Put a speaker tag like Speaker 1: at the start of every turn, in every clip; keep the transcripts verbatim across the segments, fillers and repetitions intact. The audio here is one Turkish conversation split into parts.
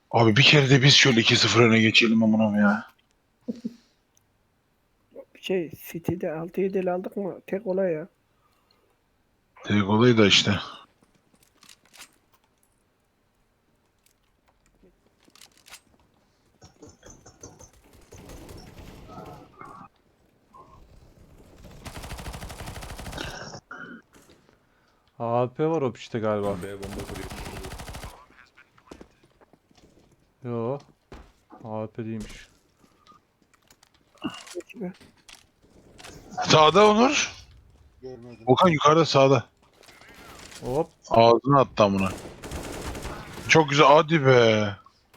Speaker 1: Abi bir kere de biz şöyle iki sıfır öne geçelim amınam ya.
Speaker 2: Şey City'de altı yedi aldık mı tek olay ya.
Speaker 1: Tek olayı da işte.
Speaker 3: A P var o işte galiba.
Speaker 4: B bomba kuruyor.
Speaker 3: Yo. A P değilmiş.
Speaker 2: Gibi.
Speaker 1: Sağda Onur.
Speaker 4: Görmedim.
Speaker 1: Okan yukarıda sağda.
Speaker 3: Hop.
Speaker 1: Ağzına attı amına. Çok güzel hadi be.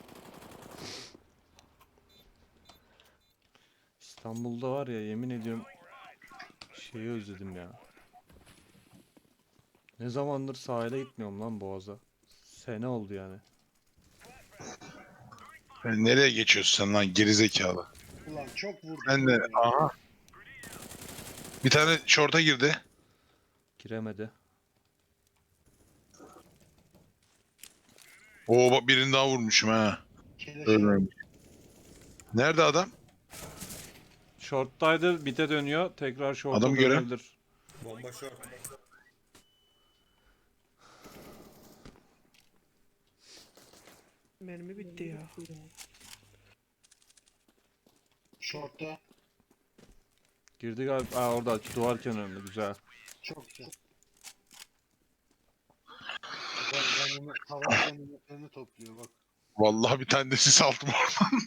Speaker 3: İstanbul'da var ya, yemin ediyorum şeyi özledim ya. Ne zamandır sahile gitmiyorum lan Boğaz'a. Sene oldu yani.
Speaker 1: Sen nereye geçiyorsun sen lan gerizekalı?
Speaker 4: Ulan çok vurdum.
Speaker 1: Ben de
Speaker 4: ya.
Speaker 1: aha. Bir tane şorta girdi.
Speaker 3: Giremedi.
Speaker 1: Oo bak birini daha vurmuşum ha.
Speaker 4: Keleş
Speaker 1: Ölmemiş. Nerede adam?
Speaker 3: Short'taydı, bite dönüyor. Tekrar short'a
Speaker 1: Adamı gören.
Speaker 3: dönebilir.
Speaker 4: bomba short.
Speaker 2: Mermi bitti ya.
Speaker 4: Short'ta.
Speaker 3: Girdi galiba. Aa, orada duvar kenarında, güzel.
Speaker 4: Çok güzel. Ben, ben bunu hava ganimetlerini topluyor bak.
Speaker 1: Vallahi bir tane de sis aldım oradan.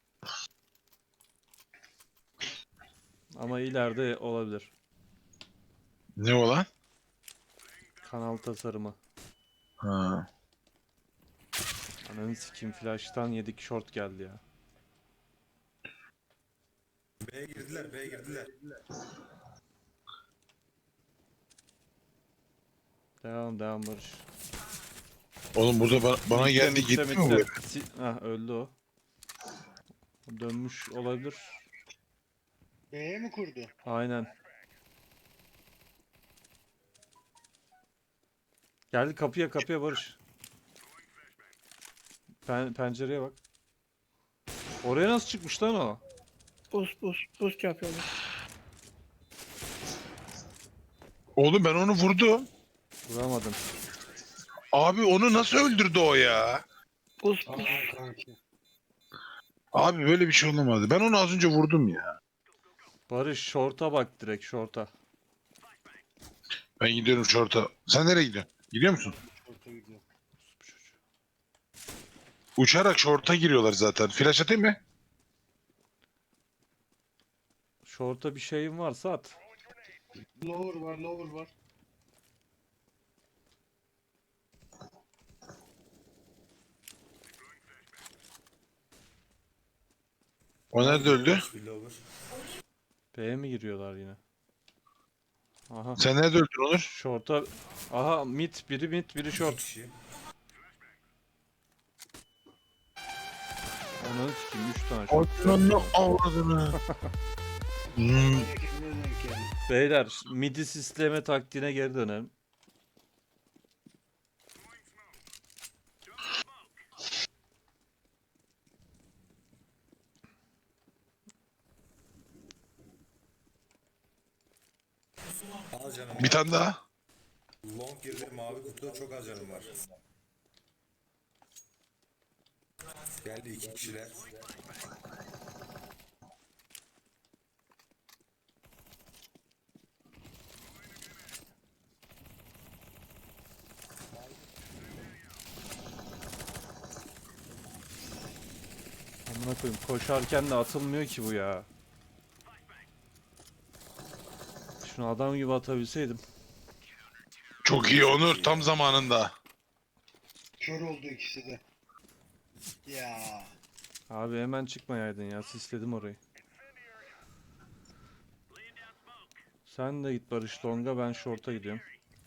Speaker 3: Ama ileride olabilir.
Speaker 1: Ne o lan?
Speaker 3: Kanal tasarımı.
Speaker 1: Ha.
Speaker 3: Ananı sikeyim, flash'tan yedik, short geldi ya.
Speaker 4: B'ye girdiler, B'ye girdiler.
Speaker 3: Devam devam Barış.
Speaker 1: Oğlum burada ba- bana
Speaker 3: Mitte,
Speaker 1: geldi
Speaker 3: mitte,
Speaker 1: gitti mi
Speaker 3: mitte.
Speaker 1: bu?
Speaker 3: Si Hah, öldü o. O dönmüş olabilir.
Speaker 4: B'ye mi kurdu?
Speaker 3: Aynen. Geldi kapıya kapıya Barış. Pen pencereye bak. Oraya nasıl çıkmış lan o?
Speaker 2: Buz buz buz yapıyorlar.
Speaker 1: Oğlum ben onu vurdum.
Speaker 3: Vuramadım.
Speaker 1: Abi onu nasıl öldürdü o ya?
Speaker 2: Buz buz.
Speaker 4: Aa kanki.
Speaker 1: Abi böyle bir şey olamadı. Ben onu az önce vurdum ya.
Speaker 3: Barış short'a bak, direkt short'a.
Speaker 1: Ben gidiyorum şorta. Sen nereye gidiyorsun? Gidiyor musun?
Speaker 4: Short'a gidiyor.
Speaker 1: Uçarak şorta giriyorlar zaten. Flash atayım mı?
Speaker 3: Short'a bir şeyin varsa at.
Speaker 4: Lower var, lower var.
Speaker 1: O nerede öldü?
Speaker 4: Bir lower.
Speaker 3: B'ye mi giriyorlar yine? Aha.
Speaker 1: Sen nerede öldün Onur?
Speaker 3: Short'a. Aha, mid, biri mid, biri
Speaker 4: İki
Speaker 3: short.
Speaker 4: kişi.
Speaker 3: Ananı sikeyim, üç tane short.
Speaker 1: Ananı avradını. Hmm.
Speaker 4: Ekibine denk geldi.
Speaker 3: Beyler, midi sisleme taktiğine geri dönelim.
Speaker 4: Al canım.
Speaker 1: Bir tane daha.
Speaker 4: Long girdi, mavi kutuda çok az canım var. Geldi iki kişiler.
Speaker 3: Amına koyayım, koşarken de atılmıyor ki bu ya. Şunu adam gibi atabilseydim.
Speaker 1: Çok iyi Onur. Tam zamanında.
Speaker 4: Kör oldu ikisi de. Ya.
Speaker 3: Abi hemen çıkmayaydın ya, sisledim orayı. Sen de git Barış Long'a, ben short'a gidiyorum.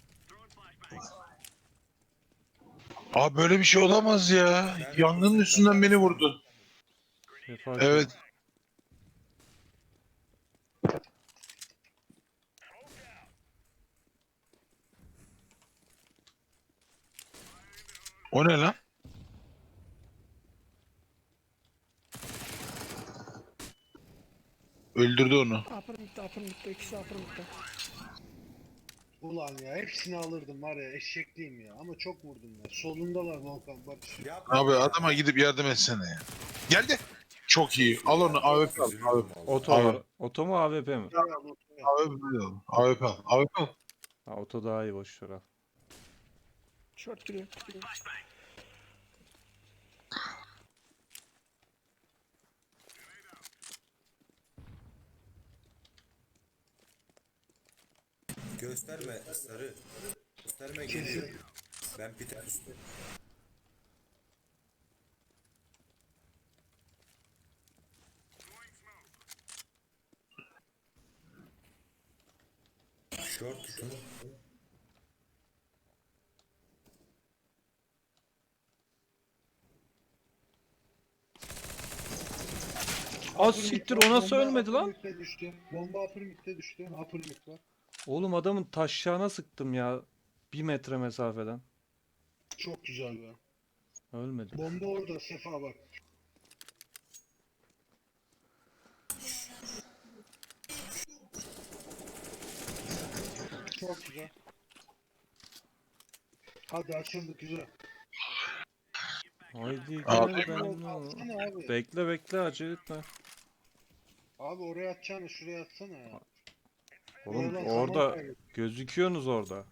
Speaker 1: Abi böyle bir şey olamaz ya. Yangının üstünden beni vurdu.
Speaker 3: Sefa
Speaker 1: Evet. O ne lan? Öldürdü onu.
Speaker 2: Upper mid'de, upper mid'de, ikisi upper mid'de.
Speaker 4: Ulan ya hepsini alırdım var ya eşekliyim ya ama çok vurdum ya. Solundalar Volkan Barış.
Speaker 5: Yapma
Speaker 1: Abi
Speaker 5: ya.
Speaker 1: adama gidip yardım etsene ya. Geldi. Çok iyi. Al onu A W P al.
Speaker 5: Üzülüyorum
Speaker 1: A W P
Speaker 5: vallahi.
Speaker 3: Oto
Speaker 1: Abi.
Speaker 3: var. Oto mu A W P mi?
Speaker 4: Ya, ya, ya.
Speaker 1: A W P al. A W P al. A W P al.
Speaker 3: Ha, oto daha iyi, boş ver al.
Speaker 2: Short giriyor, giriyor.
Speaker 5: Gösterme sarı. Gösterme
Speaker 4: Kesin.
Speaker 5: geliyor. Ben Peter üstü. Short tutun.
Speaker 3: Az siktir, o nasıl
Speaker 4: Bomba
Speaker 3: ölmedi lan?
Speaker 4: upper mid'e düştü. Bomba upper mid'e düştü. Upper mid var.
Speaker 3: Oğlum adamın taşşağına sıktım ya. Bir metre mesafeden.
Speaker 4: Çok güzel be.
Speaker 3: Ölmedi.
Speaker 4: Bomba orada Sefa bak. Çok güzel. Hadi açıldı güzel.
Speaker 3: Haydi
Speaker 1: Abi.
Speaker 3: gel ben.
Speaker 4: Atsana abi.
Speaker 3: Bekle bekle, acele etme.
Speaker 4: Abi oraya atacağını şuraya atsana ya.
Speaker 3: Oğlum
Speaker 4: Oradan
Speaker 3: orada
Speaker 4: zaman kaybı.
Speaker 3: gözüküyorsunuz orada.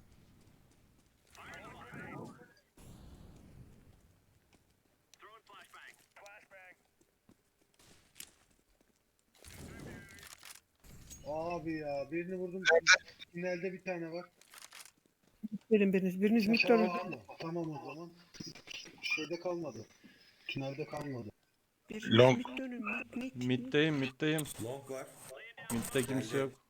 Speaker 4: Abi ya birini vurdum. Tünelde bir tane var.
Speaker 2: Verin biriniz, biriniz mid
Speaker 4: Sefa
Speaker 2: dönün.
Speaker 4: var mı? Tamam o zaman. Şeyde kalmadı. Tünelde kalmadı.
Speaker 2: Biriniz
Speaker 1: Long.
Speaker 2: mid dönün, mid, mid. mid.
Speaker 3: Middeyim middeyim.
Speaker 5: Long var.
Speaker 3: Midde kimse yok.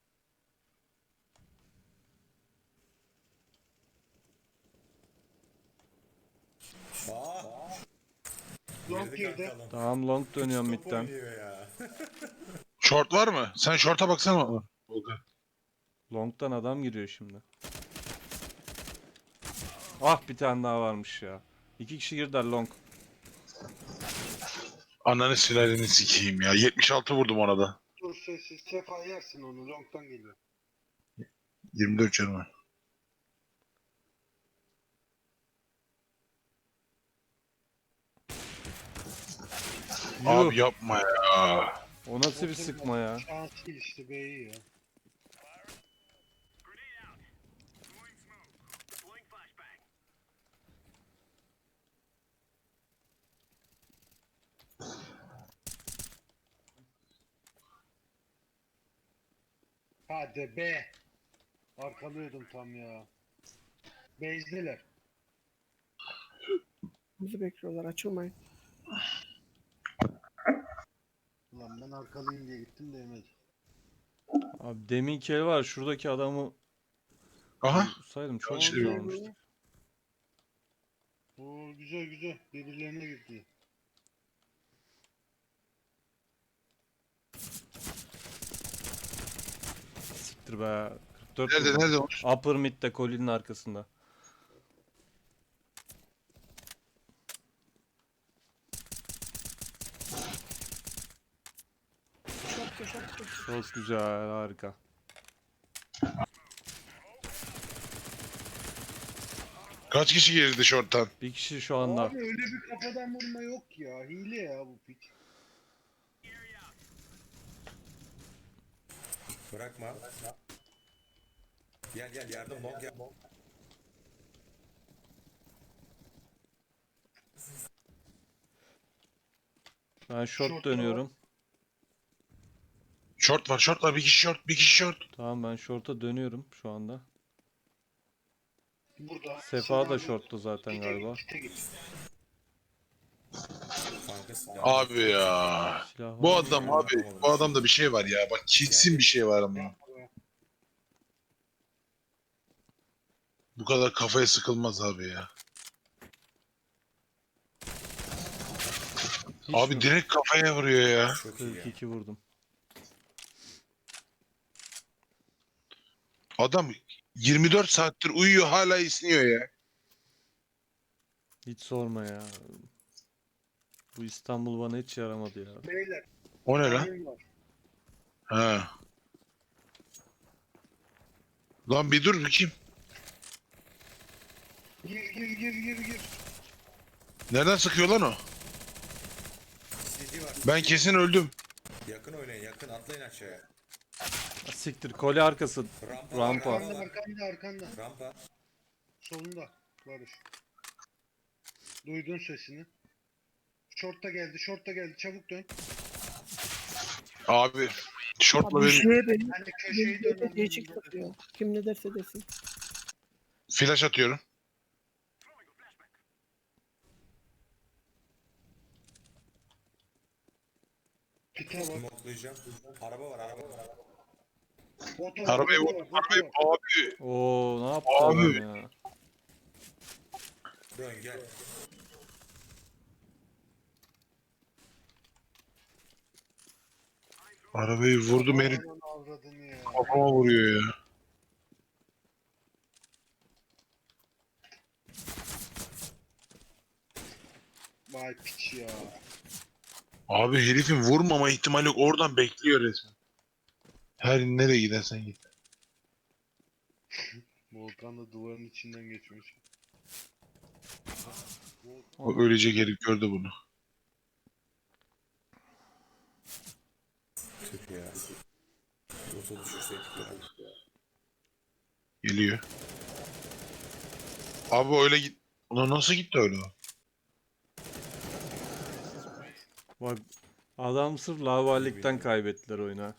Speaker 5: Aa.
Speaker 4: Long
Speaker 5: Girdi
Speaker 4: girdi.
Speaker 5: kanka long.
Speaker 3: Tamam, long dönüyorum
Speaker 5: Top
Speaker 3: midden.
Speaker 5: oynuyor ya.
Speaker 1: Short var mı? Sen short'a baksana. Volkan.
Speaker 3: Long'dan adam giriyor şimdi. Ah, bir tane daha varmış ya. İki kişi girdiler long.
Speaker 1: Ananı silalini sikeyim ya. yetmiş altı vurdum ona da.
Speaker 4: Dur sessiz. Sefa yersin onu. Long'tan geliyor.
Speaker 1: yirmi dört canım var.
Speaker 3: Yuh,
Speaker 1: Abi yapma ya.
Speaker 3: o nasıl bir sıkma ya?
Speaker 4: Şans değil işte B'yi ya. Hadi be. Arkalıyordum tam ya. Bezdiler.
Speaker 2: Bizi bekliyorlar, açılmayın.
Speaker 4: Ulan ben arkalıyım diye gittim de yemedi.
Speaker 3: Abi deminki el var, şuradaki adamı
Speaker 1: Aha.
Speaker 3: saydım çok
Speaker 1: Yanlış
Speaker 3: güzel
Speaker 1: diyorum.
Speaker 3: olmuştu.
Speaker 4: Oo güzel güzel. Birilerine girdi.
Speaker 3: Siktir be. kırk dört
Speaker 1: Nerede
Speaker 3: vurdum.
Speaker 1: nerede o?
Speaker 3: Upper mid'de kolinin arkasında.
Speaker 2: Short da, short da.
Speaker 3: Çok güzel, harika.
Speaker 1: Kaç kişi girdi short'tan?
Speaker 3: Bir kişi şu anda.
Speaker 4: Abi öyle bir kafadan vurma yok ya. Hile ya bu piç.
Speaker 5: Bırakma. Gel gel yardım long gel.
Speaker 3: Ben short
Speaker 4: Short'ta
Speaker 3: dönüyorum.
Speaker 1: Short var short var. Bir kişi short. Bir kişi short.
Speaker 3: Tamam, ben short'a dönüyorum şu anda.
Speaker 4: Burada.
Speaker 3: Sefa da
Speaker 4: Sefa-
Speaker 3: short'ta zaten
Speaker 4: Gite
Speaker 3: galiba.
Speaker 4: git, gite git.
Speaker 5: Kanka silah.
Speaker 1: Abi ya.
Speaker 3: Silah
Speaker 1: Bu
Speaker 3: var.
Speaker 1: adam abi. Bu adamda bir şey var ya. Bak kesin bir şey var ama. Bu kadar kafaya sıkılmaz abi ya.
Speaker 3: Hiç
Speaker 1: Abi
Speaker 3: mi?
Speaker 1: direkt kafaya vuruyor ya.
Speaker 5: Çok iyi ya.
Speaker 3: kırk iki vurdum.
Speaker 1: Adam yirmi dört saattir uyuyor hala isniyor ya.
Speaker 3: Hiç sorma ya. Bu İstanbul bana hiç yaramadı ya.
Speaker 4: Beyler.
Speaker 1: O ne lan?
Speaker 4: Oyun var.
Speaker 1: Ha. Lan bir dur bakayım.
Speaker 4: Gir gir gir gir gir.
Speaker 1: Nereden sıkıyor lan o?
Speaker 5: C D var.
Speaker 1: Ben kesin öldüm.
Speaker 5: Yakın oynayın yakın atlayın aşağıya.
Speaker 3: Siktir kole arkası.
Speaker 5: Rampa.
Speaker 3: Rampa.
Speaker 4: Arkanda arkanda arkanda.
Speaker 5: Rampa.
Speaker 4: Solunda. Barış. Duydun sesini. Short'ta geldi, short'ta geldi. Çabuk dön.
Speaker 1: Abi şortla
Speaker 2: Abi
Speaker 1: benim
Speaker 2: şeye benim.
Speaker 4: Ben de köşeyi
Speaker 2: Köşeyi
Speaker 4: dön.
Speaker 2: değişik takıyor. Kim ne derse desin.
Speaker 1: flash atıyorum.
Speaker 4: Pite var.
Speaker 5: Smoklayacağım. Araba var araba var.
Speaker 4: Oto var,
Speaker 1: Arabayı
Speaker 4: oto
Speaker 1: vur.
Speaker 4: var, oto
Speaker 1: Arabayı
Speaker 4: var.
Speaker 1: abi.
Speaker 3: Oo ne yaptı
Speaker 1: Abi.
Speaker 3: adam ya?
Speaker 5: Dön gel.
Speaker 1: Arabayı vurdum herif
Speaker 4: Aman avradını ya.
Speaker 1: kafama vuruyor ya.
Speaker 4: Vay piç ya.
Speaker 1: Abi herifin vurmama ihtimali yok. Oradan bekliyor resmen. Her nereye gidersen git.
Speaker 4: Volkan da duvarın içinden geçmiş.
Speaker 1: O ölecek herif gördü bunu.
Speaker 5: Tüp ya. Yoksa düşürseydik ya.
Speaker 1: Geliyor. Abi öyle git. Ulan nasıl gitti öyle o?
Speaker 3: Bak adam sırf lavallikten kaybettiler oyunu.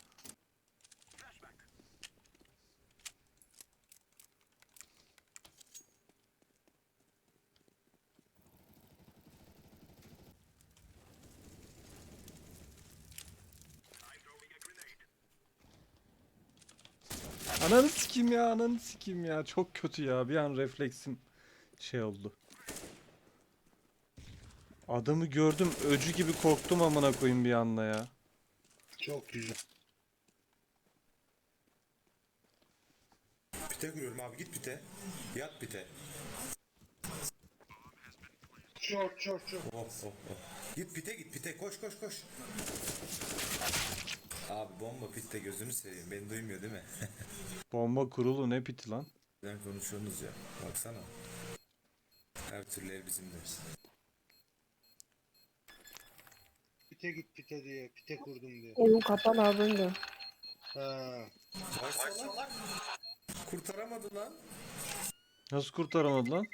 Speaker 3: Ananı sikeyim ya, ananı sikeyim ya. Çok kötü ya. Bir an refleksim şey oldu. Adamı gördüm, öcü gibi korktum amına koyayım bir anda ya.
Speaker 4: Çok güzel.
Speaker 5: Pite kuruyorum abi git pite. Yat pite.
Speaker 4: Short short short.
Speaker 5: Oh oh oh. Git pite git pite koş koş koş. Abi bomba pitte gözünü seveyim beni duymuyor değil mi?
Speaker 3: Bomba kurulu ne piti lan?
Speaker 5: Neden konuşuyorsunuz ya baksana. Her türlü ev bizimdir.
Speaker 4: Pite git pite diye. Pite kurdum diye.
Speaker 2: Oyun kapalı abi önde.
Speaker 4: Ha.
Speaker 5: Vay salak. Kurtaramadı lan.
Speaker 3: Nasıl kurtaramadı lan?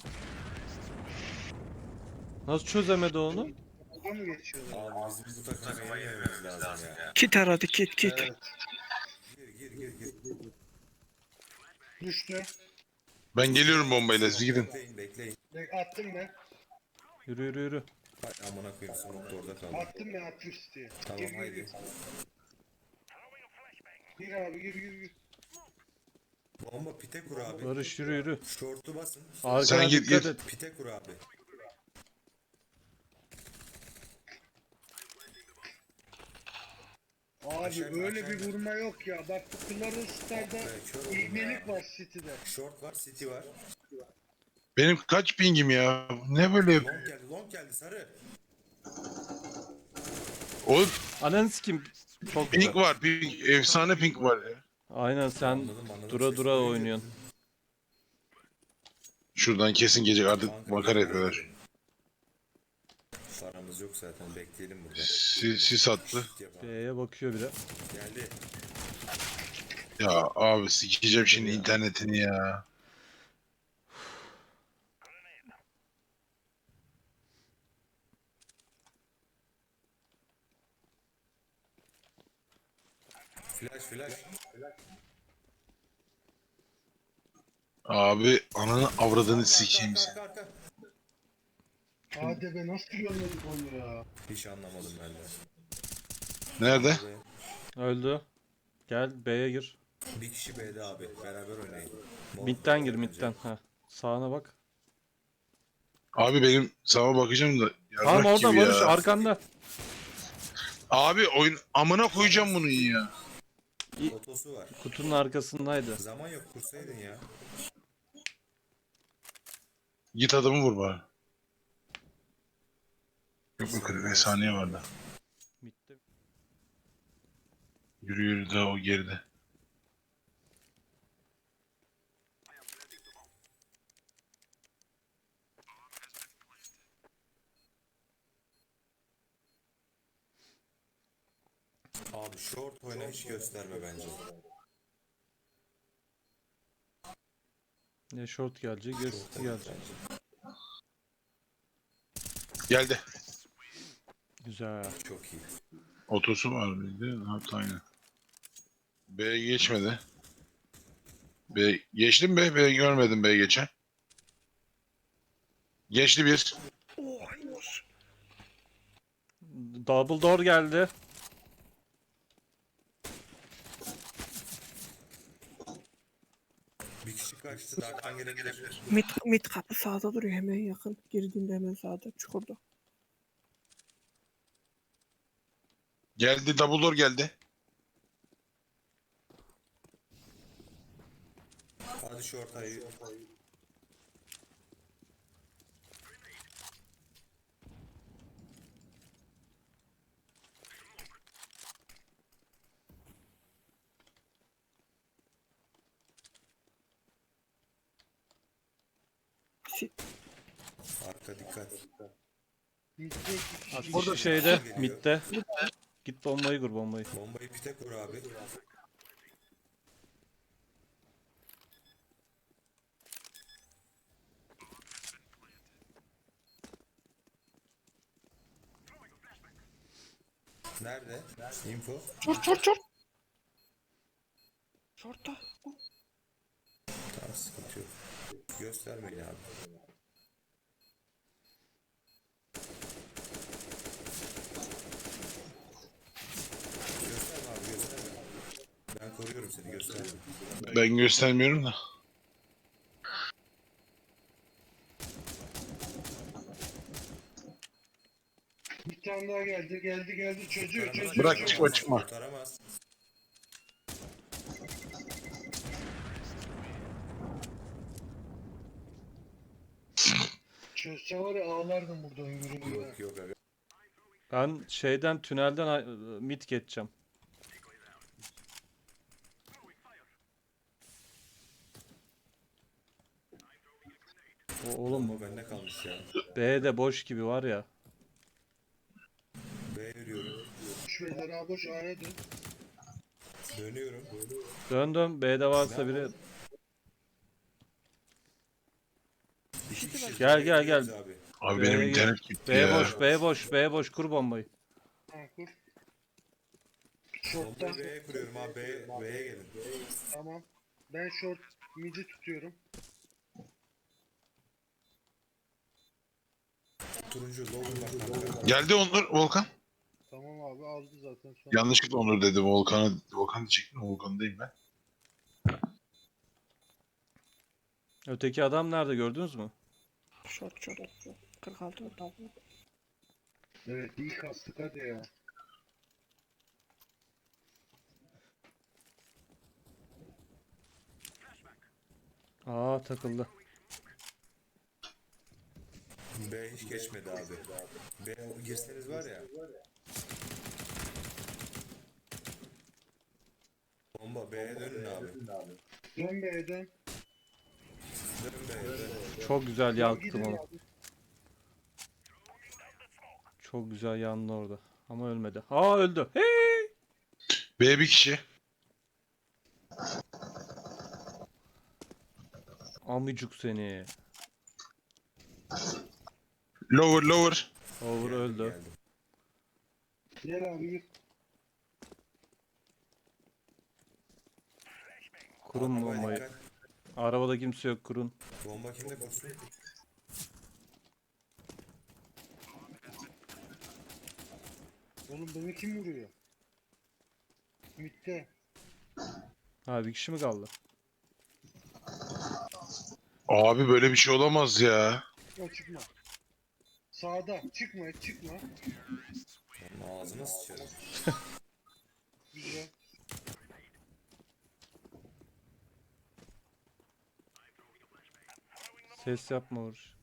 Speaker 3: Nasıl çözemedi onu?
Speaker 4: Burada mı geçiyorlar?
Speaker 5: Abi bizim bu takıma yenmemiz lazım ya.
Speaker 2: Kit aradı kit kit.
Speaker 4: Evet.
Speaker 5: Gir gir gir gir.
Speaker 4: Düştü.
Speaker 1: Ben geliyorum bombayla siz gidin.
Speaker 5: Bekleyin bekleyin.
Speaker 4: Bek- Attım ben.
Speaker 3: Yürü yürü yürü.
Speaker 5: Hay amına koyayım smoke da orada kaldı.
Speaker 4: Attım ben attım diye.
Speaker 5: Tamam
Speaker 4: Gir gir
Speaker 5: haydi.
Speaker 4: gir. Gir abi gir gir gir.
Speaker 5: Bomba pite kur abi.
Speaker 3: Barış yürü yürü.
Speaker 5: Şortu basın.
Speaker 3: Arkana
Speaker 1: Sen git,
Speaker 3: dikkat
Speaker 1: git.
Speaker 3: et.
Speaker 5: Pite kur abi.
Speaker 4: Abi
Speaker 5: Aşağı-
Speaker 4: böyle
Speaker 5: aşağı
Speaker 4: bir
Speaker 5: in.
Speaker 4: vurma yok ya. Bak bu Clarence Star'da
Speaker 5: be, kör oldum
Speaker 4: ilmelik
Speaker 5: ya.
Speaker 4: var City'de.
Speaker 5: Short var, city var.
Speaker 1: Benim kaç pingim ya? Ne böyle yapıyor?
Speaker 5: Long geldi, long geldi sarı.
Speaker 1: Oğlum
Speaker 3: Ananı sikeyim. Çok
Speaker 1: ping
Speaker 3: güzel.
Speaker 1: var. Ping. Efsane ping var ya.
Speaker 3: Aynen sen
Speaker 5: Anladım, anladım.
Speaker 3: dura
Speaker 5: Ses
Speaker 3: dura
Speaker 5: duyunca-
Speaker 3: oynuyorsun.
Speaker 1: Şuradan kesin gelecek artık
Speaker 5: Kanka,
Speaker 1: makara yapıyorlar.
Speaker 5: Paramız yok zaten bekleyelim burada.
Speaker 1: Sis, sis attı.
Speaker 5: Şut yapalım.
Speaker 3: B'ye bakıyor bile.
Speaker 5: Geldi.
Speaker 1: Ya abi sikeceğim şimdi internetini ya.
Speaker 5: Flash flash.
Speaker 1: Abi ananı avradını
Speaker 5: Arka,
Speaker 1: sikeyim
Speaker 5: arka,
Speaker 1: sen.
Speaker 5: arka, arka.
Speaker 4: Hadi be nasıl görmedik onu ya.
Speaker 5: Hiç anlamadım ben de.
Speaker 1: Nerede?
Speaker 3: Öldü. Gel B'ye gir.
Speaker 5: Bir kişi B'de abi. Beraber oynayın. Mol-
Speaker 3: Mid'den gir
Speaker 5: mol
Speaker 3: mid'den. Ha. Sağına bak.
Speaker 1: Abi benim sağa bakacağım da.
Speaker 3: Tamam
Speaker 1: yarrak
Speaker 3: orada
Speaker 1: gibi
Speaker 3: Barış
Speaker 1: ya.
Speaker 3: arkanda.
Speaker 1: Abi oyun amına koyacağım bunu ya.
Speaker 5: bence. Otosu var.
Speaker 3: Kutunun arkasındaydı.
Speaker 5: Zaman yok kursaydın ya.
Speaker 1: Git adamı vur bari. Yok yok kırk beş saniye vardı.
Speaker 3: Mid'de.
Speaker 1: Yürü yürü daha o geride.
Speaker 5: Abi short oyna, hiç gösterme bence.
Speaker 3: Ne short gelecek ya
Speaker 5: Short
Speaker 3: city
Speaker 5: oyna
Speaker 3: gelecek.
Speaker 5: bence.
Speaker 1: Geldi.
Speaker 3: Güzel.
Speaker 5: Çok iyi.
Speaker 1: Otosu var mıydı? Ha, aynen. B geçmedi. B geçtim be. B görmedim B geçen. Geçti bir.
Speaker 2: Oh, iyiymiş.
Speaker 3: Double door geldi.
Speaker 5: Bir kişi kaçtı. Dark'tan gelebilir.
Speaker 2: Mid, mid kapı sağda duruyor, hemen yakın. Girdiğinde hemen sağda, çukurda.
Speaker 1: Geldi. Double door geldi.
Speaker 5: Hadi short ayı.
Speaker 2: Si
Speaker 5: Arka dikkat.
Speaker 4: Mid'de iki kişi.
Speaker 3: Kişi
Speaker 5: Orada
Speaker 3: şeyde
Speaker 5: geliyor.
Speaker 3: midde. Git bombayı kur bombayı.
Speaker 5: Bombayı pite kur abi. Nerede? Info.
Speaker 2: Short short short. Short'ta.
Speaker 5: Tamam, sıkıntı yok. Göstermeyin abi. Gösterme abi, gösterme. Ben koruyorum seni, gösterme.
Speaker 1: Ben göstermiyorum da.
Speaker 4: Bir tane daha geldi. Geldi geldi. Çocuğu
Speaker 5: Kurtaramaz,
Speaker 4: çocuğu.
Speaker 1: Bırak,
Speaker 4: çocuğu.
Speaker 1: çıkma, çıkma.
Speaker 5: Kurtaramaz.
Speaker 4: Çözse var ya ağlardım burada yürüyünce.
Speaker 5: Yok yok abi.
Speaker 3: Ben şeyden tünelden ay- mid geçeceğim. O, oğlum
Speaker 5: Bomba bende kalmış ya.
Speaker 3: B de boş gibi var ya.
Speaker 5: B yürüyorum.
Speaker 4: Boş beyler abi boş A'ya dön.
Speaker 5: Dönüyorum.
Speaker 3: Döndüm. B'de varsa biri.
Speaker 5: İki kişi.
Speaker 3: Gel,
Speaker 5: B'ye
Speaker 3: gel,
Speaker 5: giriyoruz
Speaker 3: gel.
Speaker 5: Abi.
Speaker 1: Abi
Speaker 3: B'ye
Speaker 1: benim
Speaker 3: gir.
Speaker 1: internet gitti
Speaker 3: B
Speaker 1: ya.
Speaker 3: boş, B boş, B boş. Kur bombayı.
Speaker 4: Ha kur. Short'ta.
Speaker 5: Bombayı B'ye kuruyorum abi. B, B'ye gelin.
Speaker 4: Tamam. Ben short mid'i tutuyorum.
Speaker 5: Turuncu lower bak kanka.
Speaker 1: Geldi Onur. Volkan.
Speaker 4: Tamam abi aldı zaten sonra.
Speaker 1: Yanlışlıkla Onur dedim. Volkan'ı Volkan diyecektim. Volkan'dayım ben.
Speaker 3: Öteki adam nerede gördünüz mü?
Speaker 2: Short short. kırk altı double.
Speaker 4: Evet iyi kastık hadi ya.
Speaker 3: Aa takıldı.
Speaker 5: B hiç geçmedi abi. B girseniz var ya. Bomba B'ye dönün abi.
Speaker 4: Dön B'ye dön.
Speaker 5: Dön B'ye dön.
Speaker 3: Çok güzel
Speaker 4: Gidin
Speaker 3: yaktım onu.
Speaker 4: abi.
Speaker 3: Çok güzel yandı orada. Ama ölmedi. Aa öldü. Hey!
Speaker 1: B bir kişi.
Speaker 3: Amicuk seni.
Speaker 1: Lower lower.
Speaker 3: Over
Speaker 5: Geldim,
Speaker 3: öldü.
Speaker 5: geldim.
Speaker 4: Gel abi gir.
Speaker 3: Kurun
Speaker 5: Arabaya
Speaker 3: bombayı.
Speaker 5: dikkat.
Speaker 3: Arabada kimse yok, kurun.
Speaker 5: Bomba kimde kursun?
Speaker 4: Oğlum beni kim vuruyor? Mid'de.
Speaker 3: Ha bir kişi mi kaldı?
Speaker 1: Abi böyle bir şey olamaz ya.
Speaker 4: Çıkma çıkma. Sağda. Çıkma çıkma.
Speaker 5: Onun ağzına sıçarım.
Speaker 4: Güzel.
Speaker 3: Ses yapma Uğur.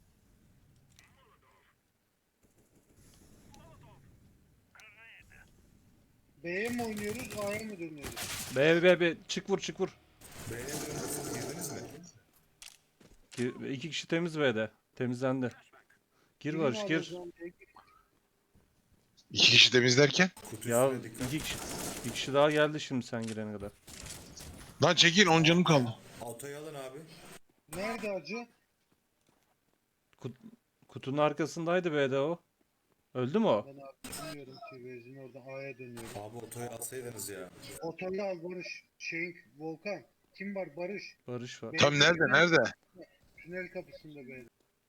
Speaker 4: B'ye mi oynuyoruz, A'ya mı dönüyoruz?
Speaker 3: B B B çık vur çık vur.
Speaker 5: B'ye dönüyorsunuz, girdiniz mi?
Speaker 3: Gir- İki kişi temiz B'de. Temizlendi. Gir
Speaker 4: Birini
Speaker 3: Barış
Speaker 4: alıyoruz
Speaker 3: gir.
Speaker 4: lan, B'ye gir.
Speaker 1: İki kişi temizlerken.
Speaker 5: Kutu
Speaker 3: Ya
Speaker 5: üstüne dikkat.
Speaker 3: iki kişi, bir kişi daha geldi şimdi sen girene kadar.
Speaker 1: Lan çekil, on canım kaldı.
Speaker 5: Autoyu alın abi.
Speaker 4: Nerede acı?
Speaker 3: Kutunun arkasındaydı B'de o. Öldü mü o?
Speaker 4: Ben abi bilmiyorum ki, benzin orada A'ya dönüyorum.
Speaker 5: Abi otoyu alsaydınız ya.
Speaker 4: Otoyu al Barış. Şeyin, Volkan. Kim var? Barış.
Speaker 3: Barış var.
Speaker 1: Tam nerede, nerede?
Speaker 4: Tünel kapısında B'de.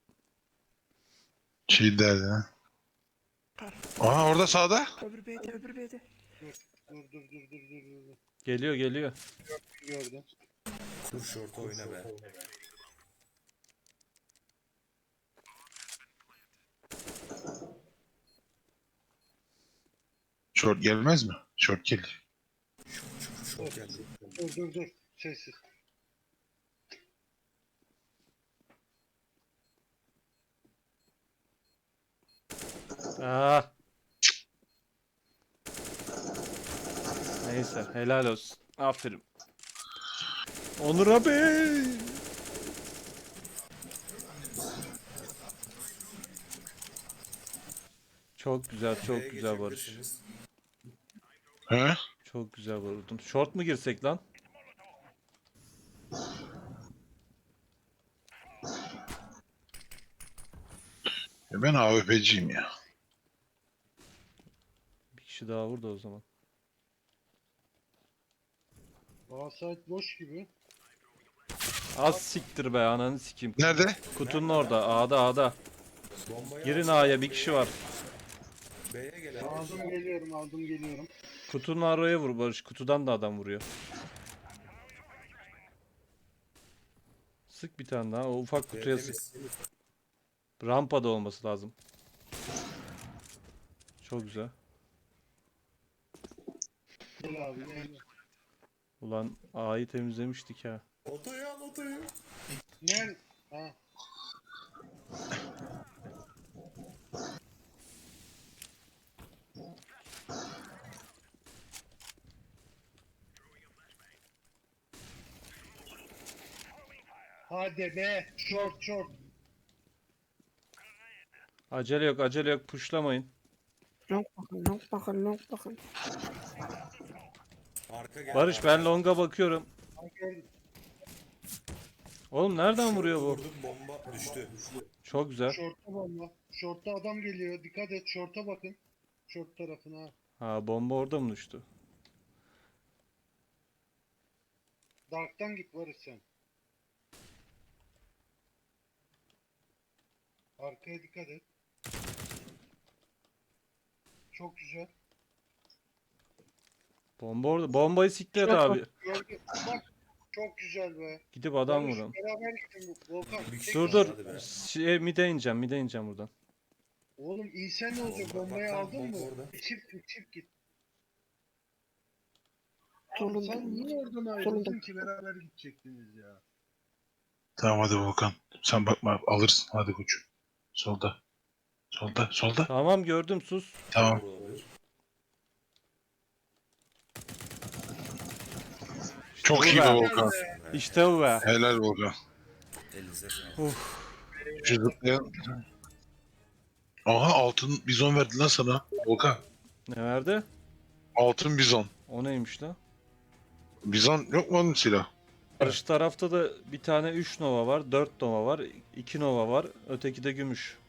Speaker 1: Şey derdi ha. Aha orada sağda.
Speaker 2: Öbür B'de öbür B'de.
Speaker 4: Dur dur dur dur dur dur. dur.
Speaker 3: Geliyor geliyor.
Speaker 4: Gördüm.
Speaker 5: Kur şortu oyna be.
Speaker 1: Short gelmez mi? Short gelir.
Speaker 5: Şort geldi.
Speaker 4: Dur dur dur. Sessiz.
Speaker 3: Ah. Neyse helal olsun. Aferin. Onur abi. Çok güzel, çok
Speaker 5: B'ye
Speaker 3: güzel Barış.
Speaker 5: geçebilirsiniz.
Speaker 1: He?
Speaker 3: Çok güzel vurdun. Short mu girsek lan?
Speaker 1: Ya ben A W P'ciyim ya.
Speaker 3: Bir kişi daha vurdu o zaman.
Speaker 4: Bağsayt boş gibi.
Speaker 3: Az siktir be ananı sikeyim.
Speaker 1: Nerede?
Speaker 3: Kutunun orada. A'da A'da.
Speaker 5: Bombayı
Speaker 3: Girin
Speaker 5: alsana.
Speaker 3: A'ya bir kişi var.
Speaker 5: B'ye gel abi.
Speaker 4: Aldım geliyorum, aldım geliyorum.
Speaker 3: Kutunun araya vur Barış. Kutudan da adam vuruyor. Sık bir tane daha. O ufak
Speaker 5: B
Speaker 3: kutuya sık.
Speaker 5: temiz.
Speaker 3: Rampada olması lazım. Çok güzel.
Speaker 4: Gel abi gel.
Speaker 3: Ulan A'yı temizlemiştik ha.
Speaker 5: Otoyu al otoyu.
Speaker 4: Nerede? Ha. Hadi be. Short short.
Speaker 3: Acele yok acele yok. Pushlamayın.
Speaker 2: Long bakın long bakın long bakın.
Speaker 5: Arka gel.
Speaker 3: Barış ben longa bakıyorum.
Speaker 4: Ha, gördüm.
Speaker 3: Oğlum nereden vuruyor bu?
Speaker 5: Vurdum, bomba düştü.
Speaker 3: Çok güzel.
Speaker 4: Short'ta bomba. Short'ta adam geliyor. Dikkat et. Short'a bakın. Short tarafına.
Speaker 3: Ha bomba orada mı düştü?
Speaker 4: Dark'tan git Barış sen. Arkaya dikkat et. Çok güzel.
Speaker 3: Bomba orada. Bombayı siktir et abi.
Speaker 4: Gördüm. Bak. Çok güzel be.
Speaker 3: Gidip adam
Speaker 4: Barış,
Speaker 3: vurun.
Speaker 4: beraber gittin bu. Volkan.
Speaker 5: Bir
Speaker 4: tek
Speaker 3: Dur
Speaker 5: kişi
Speaker 3: dur.
Speaker 5: hadi be.
Speaker 3: Şey, mide ineceğim mide ineceğim buradan.
Speaker 4: Oğlum iyi sen ne olacak?
Speaker 5: Bomba-
Speaker 4: Bombayı
Speaker 5: bak lan,
Speaker 4: aldın
Speaker 5: bomba
Speaker 4: mı?
Speaker 5: orada.
Speaker 4: Çift git, çift git.
Speaker 2: Solunda.
Speaker 4: Sen niye oradan ayrıldın
Speaker 2: Solunda.
Speaker 4: ki beraber gidecektiniz ya?
Speaker 1: Tamam hadi Volkan. Sen bakma alırsın. Hadi koçum. Solda. Solda. Solda.
Speaker 3: Tamam gördüm sus.
Speaker 1: Tamam.
Speaker 5: Olabilir.
Speaker 1: Çok iyi
Speaker 3: Bu
Speaker 1: be
Speaker 3: be.
Speaker 1: Volkan.
Speaker 3: İşte bu be.
Speaker 1: Helal Volkan.
Speaker 5: Elinize sağlık.
Speaker 1: Şu zıplayan. Aha altın bizon verdi lan sana. Volkan.
Speaker 3: Ne verdi?
Speaker 1: Altın bizon.
Speaker 3: O neymiş lan?
Speaker 1: Bizon yok mu onun silah?
Speaker 3: Karşı tarafta da bir tane üç Nova var, dört Nova var, iki Nova var, öteki de gümüş.